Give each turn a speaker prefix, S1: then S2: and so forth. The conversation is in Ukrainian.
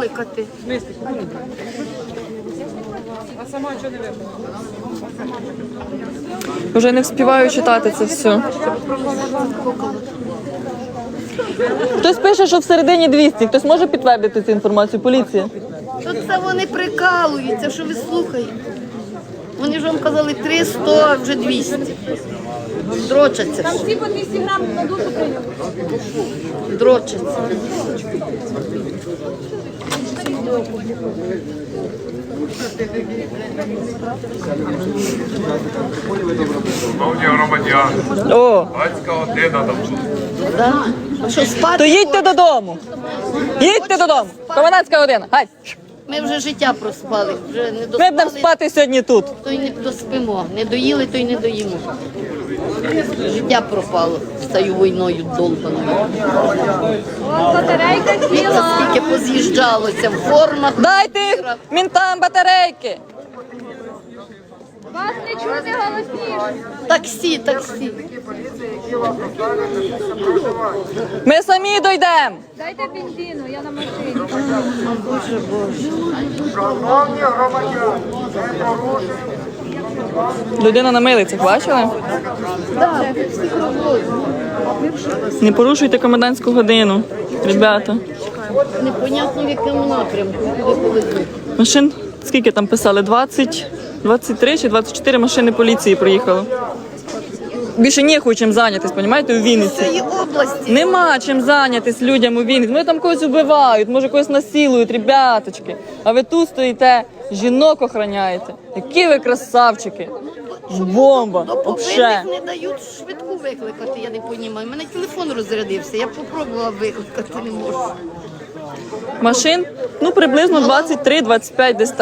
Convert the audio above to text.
S1: викликати.
S2: А сама чого не викликала?
S3: Вже не встигаю читати це все. Хтось пише, що всередині 200. Хтось може підтвердити цю інформацію? Поліція.
S1: То це вони прикалуються, що ви слухаєте. Вони ж вам казали 300, а вже 200. Дрочаться. Там всі по 200 грамів на душу прийняли. Дрочаться.
S4: Шановні громадяни,
S3: О,
S4: батька година там.
S1: Да? А що спати?
S3: то їдьте додому. Їдьте додому. Комендантська година. Гай.
S1: Ми вже життя проспали. Вже не
S3: Ми будемо
S1: доспали,
S3: спати сьогодні тут.
S1: то й не доспимо. Не доїли, то й не доїмо. Життя пропало з цією війною долбаною. Віка скільки поз'їжджалося в формах.
S3: Дайте мінтам батарейки.
S5: Вас не чути голосніше.
S1: Таксі.
S3: Ми самі дойдемо.
S5: Дайте бензину, я на машині.
S6: Шановні громадяни, не порушуйте.
S3: Людина на милицях, бачили? Не порушуйте комендантську годину, ребята.
S1: Непонятно в якому напрямку. Куди повезуть.
S3: Машин, скільки там писали? 20, 23 чи 24 машини поліції приїхало. Більше ніхуй чим зайнятись, розумієте, у Вінниці.
S1: Цієї області.
S3: Нема чим зайнятись людям у Вінниці. Вони там когось вбивають, може когось насилують, ребяточки. А ви тут стоїте, жінок охороняєте. Які ви красавчики. Бомба,
S1: До
S3: вообще.
S1: повинних не дають швидку викликати, я не розумію. У мене телефон розрядився, я спробувала викликати, не можу.
S3: Машин, ну приблизно 23-25 десь так.